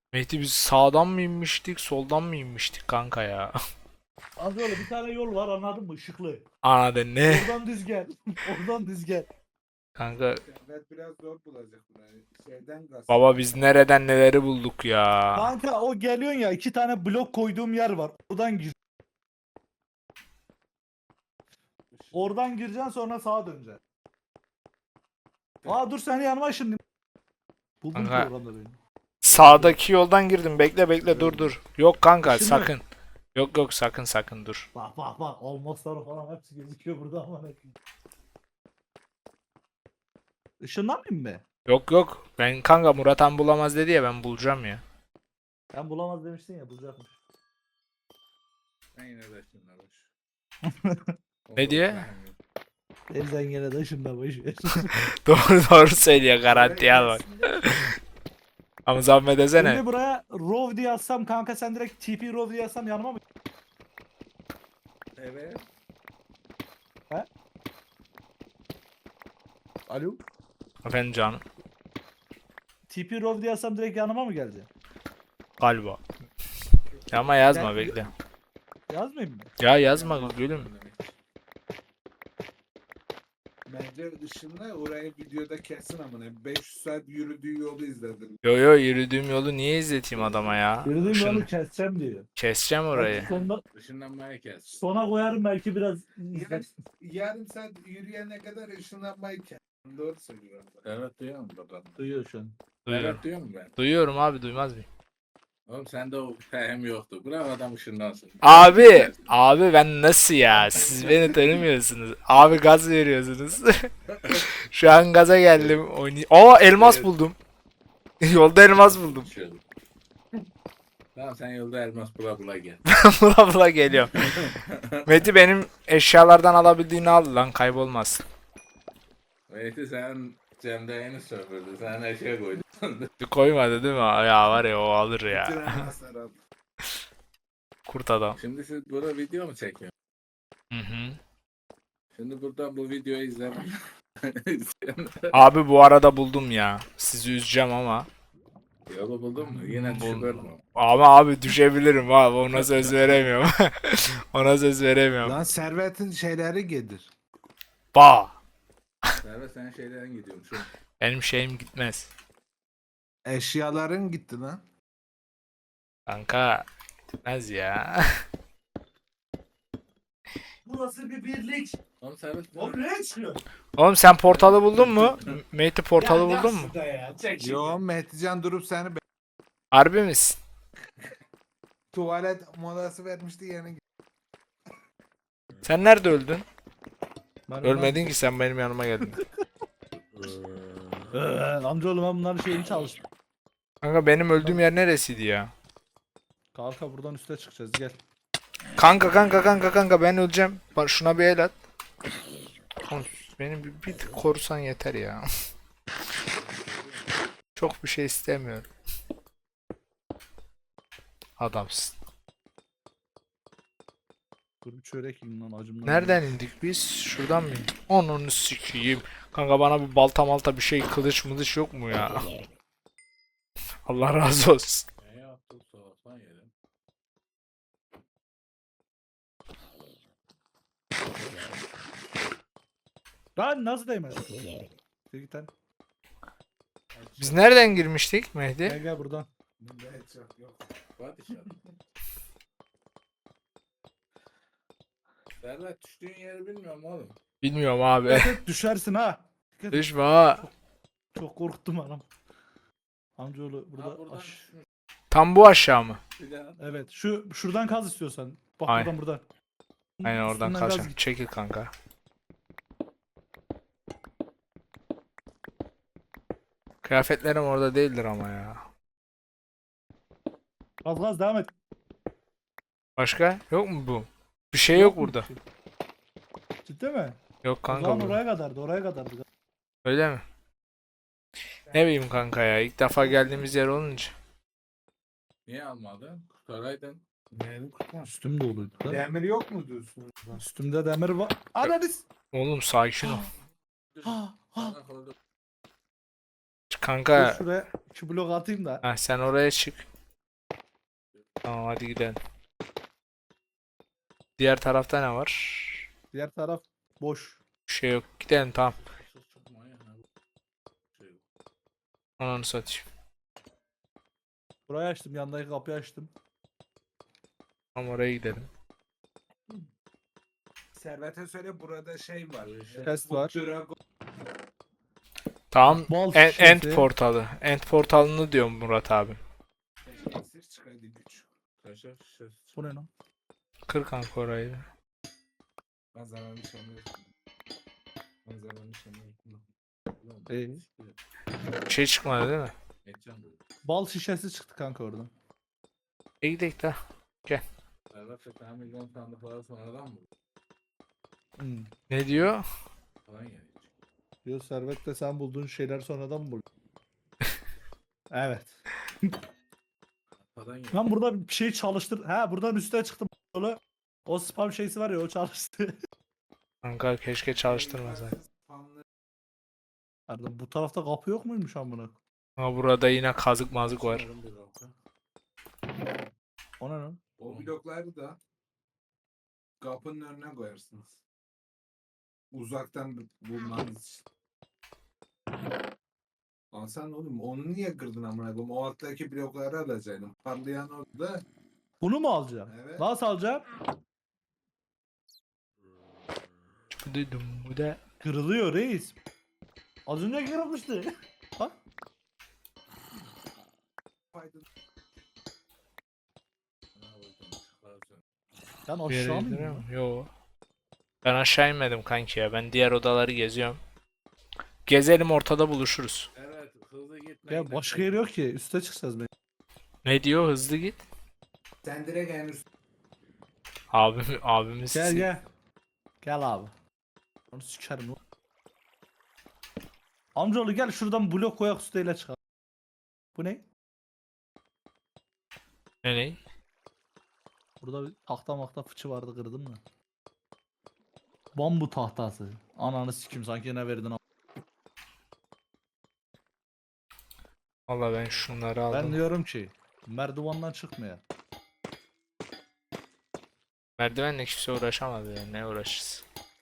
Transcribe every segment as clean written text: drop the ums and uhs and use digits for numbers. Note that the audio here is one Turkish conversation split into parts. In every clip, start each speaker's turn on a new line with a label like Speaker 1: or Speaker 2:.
Speaker 1: Mehdi biz sağdan mı inmiştik, soldan mı inmiştik kanka ya?
Speaker 2: Az öyle bir tane yol var, anladın mı? Işıklı.
Speaker 1: Anladın ne?
Speaker 2: Oradan düz gel. Oradan düz gel.
Speaker 1: Kanka
Speaker 3: Evet, biraz zor bulacak burayı. Şeyden gaz.
Speaker 1: baba biz nereden neleri bulduk ya?
Speaker 2: Kanka o geliyorsun ya, 2 tane blok koyduğum yer var. Oradan gir. Oradan gireceksin, sonra sağa döneceksin. Aa dur, seni yanıma şimdi. Buldum ki
Speaker 1: Kanka
Speaker 2: orada beni.
Speaker 1: sağdaki yoldan girdim. Bekle bekle dur. Yok kanka
Speaker 2: Işın yok.
Speaker 1: sakın. Yok sakın dur.
Speaker 2: Bak olmazlar falan hepsi gözüküyor burada ama ne. Işınlanmayayım mı?
Speaker 1: Yok ben kanka Murat Han bulamaz dedi ya ben bulacağım ya.
Speaker 2: Ben bulamaz demiştin ya, bulacakmış.
Speaker 3: Ben yine de şimdi boş.
Speaker 1: Ne diye?
Speaker 2: Elden gene de ışınla boş ver.
Speaker 1: Doğru söylüyor garanti al bak. Ama zahmet etsene.
Speaker 2: Şimdi buraya Rov diye yazsam kanka, sen direkt TP Rov diye yazsam yanıma mı?
Speaker 3: Evet.
Speaker 2: Alo?
Speaker 1: Efendim canım
Speaker 2: TP Rov diye yazsam direkt yanıma mı gelecek?
Speaker 1: galiba. Ama yazma
Speaker 2: Ben-
Speaker 1: bekle.
Speaker 2: Yazmayayım mı?
Speaker 1: Ya yazma gülüm.
Speaker 3: Bence ışınla orayı videoda kesin amına. 500 saat yürüdüğü yolu izledim.
Speaker 1: Yo yürüdüğüm yolu niye izleteyim adama ya?
Speaker 2: Yürüdüğüm
Speaker 1: Şunu
Speaker 2: yolu keseceğim diyor.
Speaker 1: keseceğim
Speaker 2: Belki
Speaker 1: orayı.
Speaker 3: Işınlanmaya kes.
Speaker 2: sona koyarım belki biraz.
Speaker 3: Yarım saat yürüyene kadar ışınlanmayı kes. Doğru söylüyorum. Evet duyuyor musun bakalım?
Speaker 2: Duyuyor şu an.
Speaker 1: Duyuyorum.
Speaker 3: Evet duyuyor musun ben?
Speaker 1: Duyuyorum abi duymaz mıyım?
Speaker 3: Oğlum sende o hem yoktu. Bırak adam ışınlansın.
Speaker 1: Abi ben nasıl ya? Siz beni tanımıyorsunuz. Abi gaz veriyorsunuz. Şu an gaza geldim. Aa elmas
Speaker 3: Evet.
Speaker 1: buldum. Yolda elmas buldum.
Speaker 3: Şöyle. Tamam sen yolda elmas bula gel.
Speaker 1: Bula geliyorum. Meti benim eşyalardan alabildiğini al lan kaybolmaz.
Speaker 3: Mehdi sen Cem'de yeni sömürdün. Sen her şeye koydun.
Speaker 1: Koymadı değil mi? Ya var ya o alır
Speaker 3: Bütün
Speaker 1: ya.
Speaker 3: elmaslar al.
Speaker 1: Kurt adam.
Speaker 3: Şimdi siz burada video mu çekiyorsunuz?
Speaker 1: Hı hı.
Speaker 3: Şimdi burada bu videoyu izlemek.
Speaker 1: Abi bu arada buldum ya. Sizi üzeceğim ama.
Speaker 3: Yolu buldun mu? Yine düşüyor mu?
Speaker 1: Ama abi düşebilirim abi. Ona söz veremiyorum. Ona söz veremiyorum.
Speaker 4: Lan servetin şeyleri gelir.
Speaker 1: Ba.
Speaker 3: Servet sen şeylerin gidiyorum şu.
Speaker 1: Benim şeyim gitmez.
Speaker 4: Eşyaların gitti lan.
Speaker 1: Kanka gitmez ya.
Speaker 2: Bu nasıl bir birlik?
Speaker 3: Oğlum Servet
Speaker 2: O nereye çıkıyor?
Speaker 1: Oğlum sen portalı buldun mu? Mate portalı buldun mu?
Speaker 2: Ya, çek şimdi.
Speaker 4: Yo Mehdican durup seni
Speaker 1: Harbi misin?
Speaker 4: tuvalet molası vermişti yani.
Speaker 1: Sen nerede öldün?
Speaker 2: Ben
Speaker 1: Ölmedin ki sen benim yanıma geldin.
Speaker 2: Amcaoğlu ben bunların şeyini çalıştım.
Speaker 1: Kanka benim öldüğüm yer neresiydi ya?
Speaker 2: Kanka buradan üste çıkacağız, gel.
Speaker 1: Kanka ben öleceğim. Bak şuna bir el at. Oğlum, beni bir tık korusan yeter ya. Çok bir şey istemiyorum. Adamsın.
Speaker 2: Dur bir çörek yiyin lan, acımdan.
Speaker 1: Nereden indik biz? Şuradan mı indik? Onu sikeyim. Kanka bana bir balta malta bir şey kılıç mılıç yok mu ya? Allah razı olsun.
Speaker 3: ne yaptın soğuktan yedim.
Speaker 2: Lan nasıl değmez? Git lan.
Speaker 1: Biz nereden girmiştik
Speaker 2: Gel
Speaker 1: Mehdi?
Speaker 2: gel buradan.
Speaker 3: Bunda hiç yok. Var dışarı. Servet düştüğün yeri bilmiyorum oğlum.
Speaker 1: Bilmiyorum abi.
Speaker 2: Evet, düşersin ha. Dikkat et.
Speaker 1: Düşme ha.
Speaker 2: Çok korktum anam. Amcaoğlu burada.
Speaker 3: Ha buradan
Speaker 2: Aş-
Speaker 3: düşmüş.
Speaker 1: Tam bu aşağı mı?
Speaker 3: Bir daha.
Speaker 2: Evet, şuradan kaz istiyorsan. Bak
Speaker 1: Aynen.
Speaker 2: buradan.
Speaker 1: Aynen oradan
Speaker 2: Üstünden
Speaker 1: kaçacağım.
Speaker 2: kaz git.
Speaker 1: Çekil kanka. Kıyafetlerim orada değildir ama ya.
Speaker 2: Kaz devam et.
Speaker 1: Başka? Yok mu bu? Bir şey yok
Speaker 2: mu?
Speaker 1: burada.
Speaker 2: Ciddi mi?
Speaker 1: Yok
Speaker 2: O
Speaker 1: kanka
Speaker 2: zaman
Speaker 1: bu.
Speaker 2: oraya kadardı, oraya kadardı.
Speaker 1: Öyle mi? Ne bileyim kanka ya. İlk defa geldiğimiz yer olunca.
Speaker 3: Niye almadın? Kurtaraydın.
Speaker 4: Neyin kurtma?
Speaker 2: Üstüm doluydu da.
Speaker 4: Demir yok mu diyorsun?
Speaker 2: Üstümde demir var. Anadis.
Speaker 1: Oğlum sakin ol.
Speaker 2: Ha, ha.
Speaker 1: Kanka
Speaker 2: Dur şuraya 2 blok atayım da.
Speaker 1: sen oraya çık. Tamam hadi gidelim. Diğer tarafta ne var?
Speaker 2: Diğer taraf boş.
Speaker 1: Bir şey yok. Gidelim tamam. Ananı satayım.
Speaker 2: Burayı açtım. Yandaki kapıyı açtım.
Speaker 1: Tamam oraya gidelim.
Speaker 3: Servet'e söyle burada şey var.
Speaker 2: Test
Speaker 3: Bu
Speaker 2: var.
Speaker 3: Dragon
Speaker 1: Tamam.
Speaker 2: Bal
Speaker 1: End
Speaker 2: şişesi.
Speaker 1: portalı. End portalını diyorum Murat abi.
Speaker 3: esir çıkaydı güç. Kaşar şişesi.
Speaker 2: Bu ne lan?
Speaker 1: Kır kanka orayı.
Speaker 3: Manzaranın şanı. Manzaranın şanı.
Speaker 1: Bir şey çıkmadı değil mi?
Speaker 2: Bal şişesi çıktı kanka oradan.
Speaker 1: İyi gidelim de.
Speaker 3: Servet ve milyon sandık falan sonradan mı?
Speaker 2: Hmm.
Speaker 1: Ne diyor?
Speaker 3: Falan yani.
Speaker 2: Diyor Servet de sen bulduğun şeyler sonradan mı buldun? Evet.
Speaker 3: Falan yani.
Speaker 2: Ben burada bir şey çalıştır. Ha buradan üstüne çıktım. Böyle. O spam şeysi var ya o çalıştı.
Speaker 1: Kanka keşke çalıştırmasaydın.
Speaker 2: Pardon, bu tarafta kapı yok muymuş amına?
Speaker 1: Ama burada yine kazık mazık var.
Speaker 2: O ne lan?
Speaker 3: O blokları da kapının önüne koyarsınız. Uzaktan bulmanız için. Lan sen oğlum onu niye kırdın amına koyayım? O alttaki blokları alacaktın. Parlayan orada.
Speaker 2: Bunu mu alacağım?
Speaker 3: Evet.
Speaker 2: Nasıl alacağım?
Speaker 1: Duydum bu da.
Speaker 2: Kırılıyor reis. Az önce kırılmıştı. Bak.
Speaker 3: Faydalı.
Speaker 2: Ben
Speaker 1: Bir yere
Speaker 2: aşağı mı
Speaker 1: indiriyor
Speaker 2: iniyorum?
Speaker 1: mu? Yo. Ben aşağı inmedim kanki ya. Ben diğer odaları geziyorum. Gezelim ortada buluşuruz.
Speaker 3: Evet hızlı gitme.
Speaker 2: Ya başka yer yok ki. Üste çıkacağız be.
Speaker 1: Ne diyor? Hızlı git.
Speaker 3: Sen direkt en üst.
Speaker 1: Abimiz.
Speaker 2: Gel gel. Gel abi. Onu sikerim lan. Amcaoğlu gel şuradan blok koyak üsteyle çıkar. Bu ne?
Speaker 1: Ne?
Speaker 2: Burada bir tahta makta fıçı vardı kırdın mı? Bambu tahtası. Ananı sikim sanki ne verdin am-
Speaker 1: Valla ben şunları aldım.
Speaker 2: Ben diyorum ki merdivandan çıkmaya.
Speaker 1: Merdivenle kimse uğraşamadı ya. Ne uğraşırız?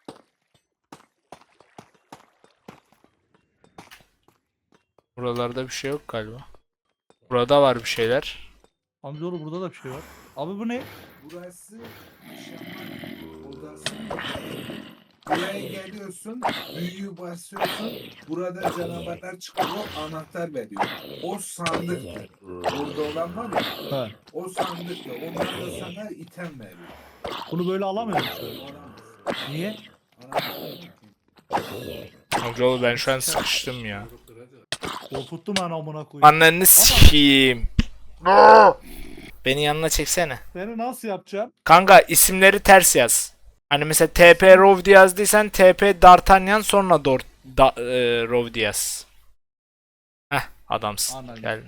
Speaker 1: Buralarda bir şey yok galiba. Burada var bir şeyler.
Speaker 2: Amcaoğlu burada da bir şey var. Abi bu ne?
Speaker 3: Burası şaman odası. Buraya geliyorsun, büyüyü basıyorsun. Burada canavarlar çıkıyor, anahtar veriyor. O sandıktır. Orada olan var ya,
Speaker 2: Ha.
Speaker 3: o sandıktır. Onlar da sana item veriyor.
Speaker 2: Bunu böyle alamıyor musun?
Speaker 3: Olamaz.
Speaker 2: Niye?
Speaker 3: Anahtar
Speaker 1: Amcaoğlu ben şu an sıkıştım ya.
Speaker 2: Korkuttum ben amına koyayım.
Speaker 1: Anneni sikeyim. Beni yanına çeksene.
Speaker 2: Seni nasıl yapacağım?
Speaker 1: Kanka isimleri ters yaz. Hani mesela TP Rovdi yazdıysan TP D'Artagnan sonra Rovdi yaz. Heh adamsın.
Speaker 2: Anladım.
Speaker 1: Gel.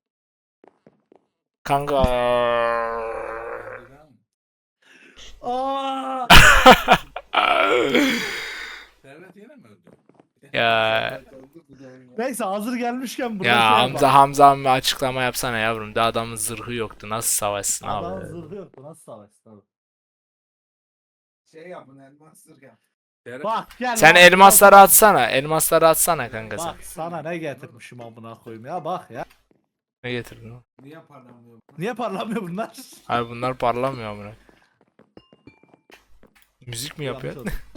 Speaker 1: Kanka.
Speaker 2: Aa!
Speaker 3: Servet yine mi öldü?
Speaker 1: Ya
Speaker 2: Neyse hazır gelmişken burada
Speaker 1: ya
Speaker 2: şey
Speaker 1: Hamza
Speaker 2: yapalım.
Speaker 1: Hamza bir açıklama yapsana yavrum. Da adamın zırhı yoktu. Nasıl savaşsın
Speaker 2: Adamın
Speaker 1: abi?
Speaker 2: zırhı yoktu nasıl savaştı abi.
Speaker 3: Şey yapın, elmas zırh yap.
Speaker 2: Bak gel.
Speaker 1: Sen
Speaker 2: bak,
Speaker 1: elmasları
Speaker 2: bak.
Speaker 1: atsana. Elmasları atsana kanka sen.
Speaker 2: Bak sana ne getirmişim amına koyayım ya bak ya.
Speaker 1: Ne getirdin o?
Speaker 3: Niye parlamıyor?
Speaker 2: Niye parlamıyor bunlar?
Speaker 1: Abi bunlar parlamıyor amına. Müzik mi yapıyor?
Speaker 2: Yanlış oldu.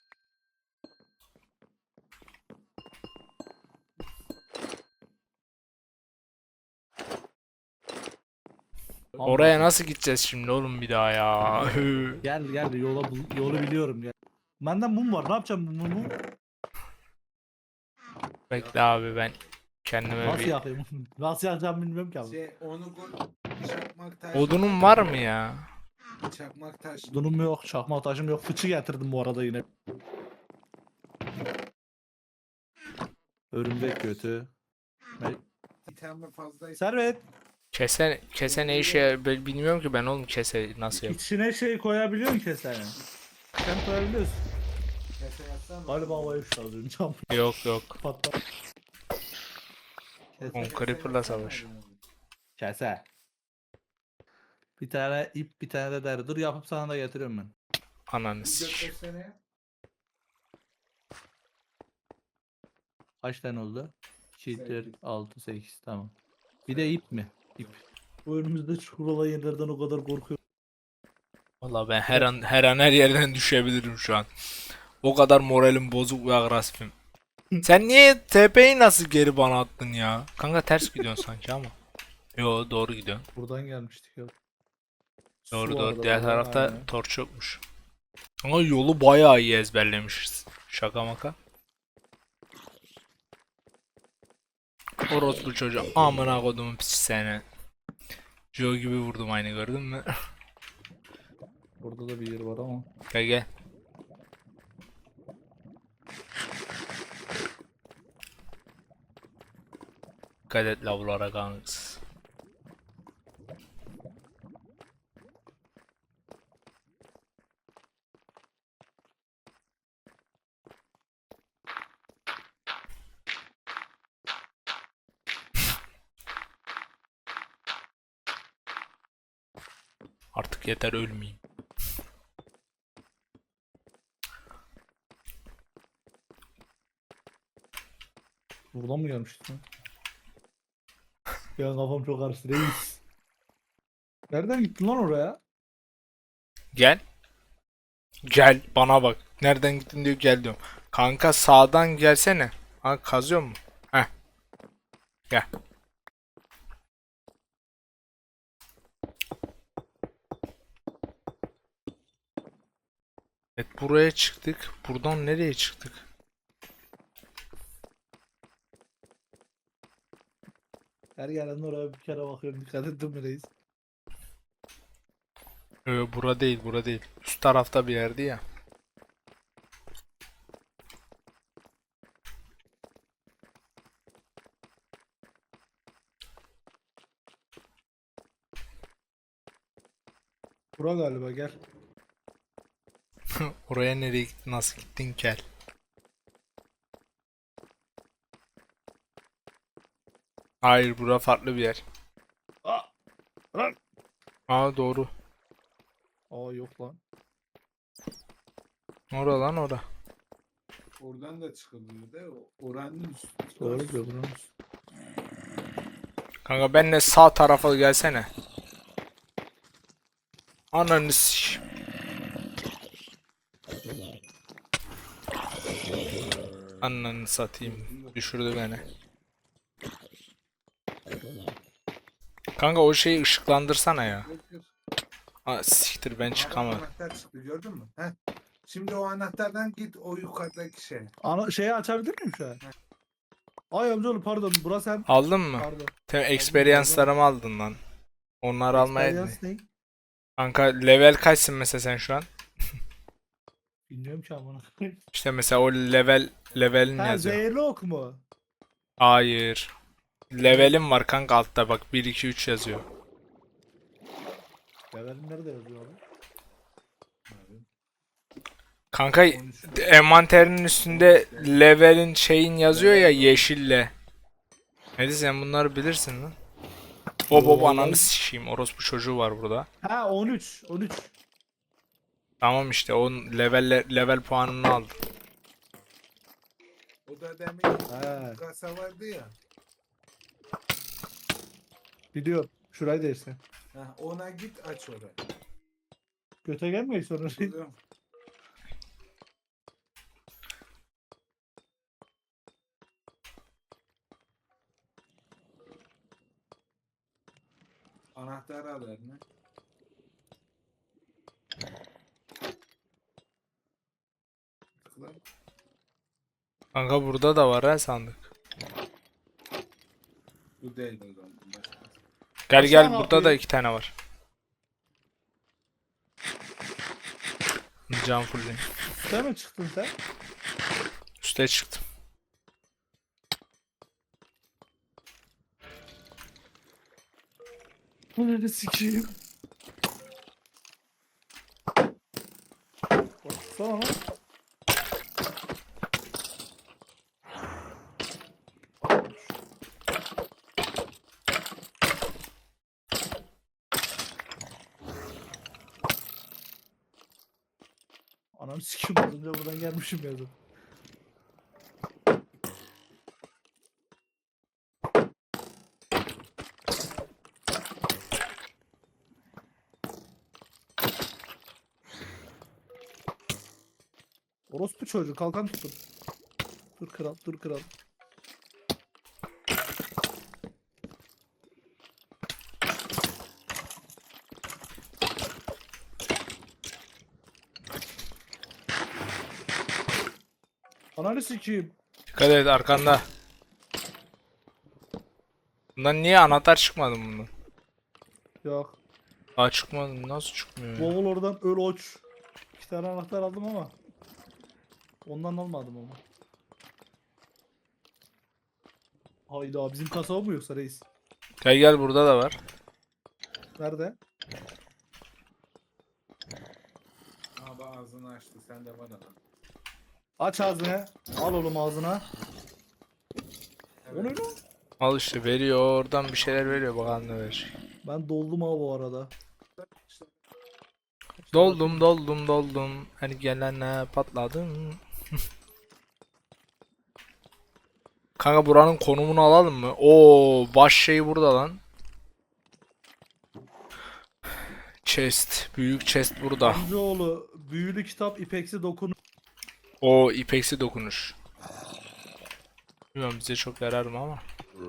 Speaker 1: Oraya nasıl gideceğiz şimdi oğlum bir daha ya?
Speaker 2: Gel gel yolu biliyorum gel. Benden mum var ne yapacağım bu mumu?
Speaker 1: Bekle abi ben kendime
Speaker 2: Nasıl
Speaker 1: bir...
Speaker 2: yakayım? Nasıl yakacağım bilmiyorum ki abi.
Speaker 3: Şey, onu koy. Çakmak taş.
Speaker 1: Odunun var mı ya?
Speaker 3: Çakmak taş.
Speaker 2: Dunum yok, çakma taşım yok. Fıçı getirdim bu arada yine. Örümcek götü.
Speaker 3: İtem fazlaysa.
Speaker 2: Servet.
Speaker 1: Kese ne işe bilmiyorum ki ben oğlum kese nasıl yap?
Speaker 2: İçine şey koyabiliyorsun kesene. Sen koyabiliyorsun.
Speaker 3: Kese yapsana.
Speaker 2: Galiba havaya uçtu az önce.
Speaker 1: Yok yok.
Speaker 2: Patla.
Speaker 1: On Creeper'la savaş.
Speaker 2: Kese. Bir tane ip, bir tane de deri. Dur yapıp sana da getiriyorum ben.
Speaker 1: Ananı
Speaker 3: Bir
Speaker 1: sikeyim.
Speaker 3: göstersene.
Speaker 2: Kaç tane oldu? 2, 4,
Speaker 3: Sekiz.
Speaker 2: 6, 8. Tamam. Bir de ip mi? İp. Bu önümüzde çukur olan yerlerden o kadar korkuyorum.
Speaker 1: Valla ben her yerden düşebilirim şu an. O kadar moralim bozuk ve agresifim. Sen niye TP'yi nasıl geri bana attın ya? Kanka ters gidiyorsun sanki ama. Yo doğru gidiyorsun.
Speaker 2: Buradan gelmiştik ya.
Speaker 1: Doğru
Speaker 2: Su
Speaker 1: doğru.
Speaker 2: vardı
Speaker 1: Diğer
Speaker 2: burada,
Speaker 1: tarafta
Speaker 2: aynen.
Speaker 1: torç yokmuş. Ama yolu bayağı iyi ezberlemişiz. Şaka maka. Orospu çocuğu. Amına kodumun piç seni. Joe gibi vurdum aynı gördün mü?
Speaker 2: Burada da bir yer var ama.
Speaker 1: Gel gel. Dikkat et lavlara kanks. Artık yeter ölmeyeyim.
Speaker 2: Buradan mı gelmiştik lan? Ya kafam çok karıştı reis. Nereden gittin lan oraya?
Speaker 1: Gel. Gel bana bak. Nereden gittin diyor gel diyorum. Kanka sağdan gelsene. Ha kazıyor mu? Heh. Gel. Evet buraya çıktık. Buradan nereye çıktık?
Speaker 2: Her yerden oraya bir kere bakıyorum. Dikkat ettin mi reis?
Speaker 1: Bura değil bura değil. Üst tarafta bir yerdi ya.
Speaker 2: Bura galiba gel.
Speaker 1: Oraya nereye gittin nasıl gittin gel. Hayır bura farklı bir yer.
Speaker 2: Aa! Lan!
Speaker 1: Aa doğru.
Speaker 2: Aa yok lan.
Speaker 1: Ora lan ora.
Speaker 3: Oradan da çıkılıyor da oranın üstü.
Speaker 2: Doğru diyor buranın.
Speaker 1: Kanka benle sağ tarafa gelsene. Ananı s***. Ananı satayım. Düşürdü beni. Kanka o şeyi ışıklandırsana ya. Aa, siktir ben çıkamadım.
Speaker 3: Anahtar çıktı gördün mü? Heh. Şimdi o anahtardan git o yukarıdaki şey.
Speaker 2: Ana şeyi açabilir miyim şu an? Ay amcaoğlu pardon. Burası sen.
Speaker 1: Aldın mı?
Speaker 2: Pardon.
Speaker 1: Sen experience'larımı aldın lan. Onları almaya
Speaker 2: Experience ne?
Speaker 1: Kanka level kaçsın mesela sen şu an?
Speaker 2: Bilmiyorum ki amına.
Speaker 1: İşte mesela o levelin
Speaker 2: Ha
Speaker 1: yazıyor.
Speaker 2: zehirli ok mu?
Speaker 1: Hayır. Levelim var kanka altta bak 1 2 3 yazıyor.
Speaker 2: Levelin nerede yazıyor abi?
Speaker 1: Kanka envanterinin üstünde levelin şeyin yazıyor ya yeşille. Neydi sen bunları bilirsin lan. Bob ananı sikeyim orospu çocuğu var burada.
Speaker 2: Ha 13. 13.
Speaker 1: Tamam işte o level puanını aldım.
Speaker 3: O da demin
Speaker 2: Ha
Speaker 3: kasa vardı ya.
Speaker 2: biliyorum. Şurayı değilse.
Speaker 3: Heh, ona git aç orayı.
Speaker 2: Göte gelmeyin sonra.
Speaker 3: Buluyorum. Anahtarı al eline. Tıkla.
Speaker 1: Kanka burada da var ha sandık.
Speaker 3: Bu değil o zaman. Başka.
Speaker 1: Gel
Speaker 2: Aşağı
Speaker 1: gel
Speaker 2: mı
Speaker 1: burada da
Speaker 2: atlayayım?
Speaker 1: 2 tane var. Can fullleyim.
Speaker 2: Sen mi çıktın sen?
Speaker 1: Üste çıktım.
Speaker 2: Ananı sikeyim. Baksana lan. Anam sikim az önce buradan gelmişim ya zaten. Orospu çocuğu kalkan tutun. Dur kral, dur kral. Ananı sikeyim.
Speaker 1: Dikkat et arkanda. Bundan niye anahtar çıkmadı bundan?
Speaker 2: Yok.
Speaker 1: Aa çıkmadı. Nasıl çıkmıyor ya?
Speaker 2: Bavul oradan öl oç. 2 tane anahtar aldım ama. Ondan almadım ama. Hayda bizim kasaba mı yoksa reis?
Speaker 1: Gel gel burada da var.
Speaker 2: Nerede?
Speaker 3: Abi ağzını açtı sen de bana.
Speaker 2: Aç ağzını. Al oğlum ağzına. O ne lan?
Speaker 1: Al işte veriyor oradan bir şeyler veriyor bakalım ne verecek.
Speaker 2: Ben doldum ha bu arada.
Speaker 1: Doldum doldum doldum. Her gelene patladım. Kanka buranın konumunu alalım mı? Oo baş şey burada lan. Chest. Büyük chest burada.
Speaker 2: Amcaoğlu büyülü kitap ipeksi dokun.
Speaker 1: O ipeksi dokunuş. Bilmiyorum bize çok yarar mı ama.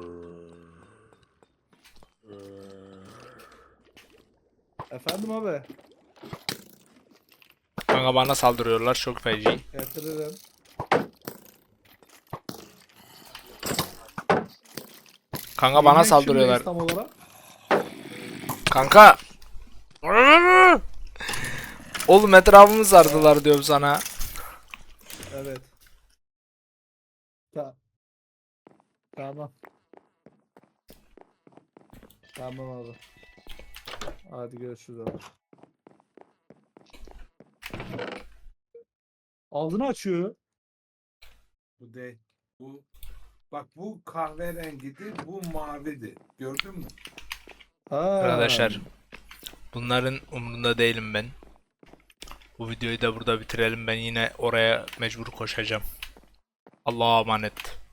Speaker 2: Efendim abi.
Speaker 1: Kanka bana saldırıyorlar çok feci.
Speaker 2: Getiririm.
Speaker 1: Kanka bana
Speaker 2: Yayından kim
Speaker 1: saldırıyorlar.
Speaker 2: reis tam olarak?
Speaker 1: Kanka. Oğlum etrafımı sardılar diyorum sana.
Speaker 2: Evet. Tamam. Tamam abi. Hadi görüşürüz abi. Ağzını açıyor.
Speaker 3: Bu değil. Bu bak bu kahverengiydi, bu mavidi. Gördün mü?
Speaker 2: Ha.
Speaker 1: Arkadaşlar bunların umrunda değilim ben. Bu videoyu da burada bitirelim. Ben yine oraya mecbur koşacağım. Allah'a emanet.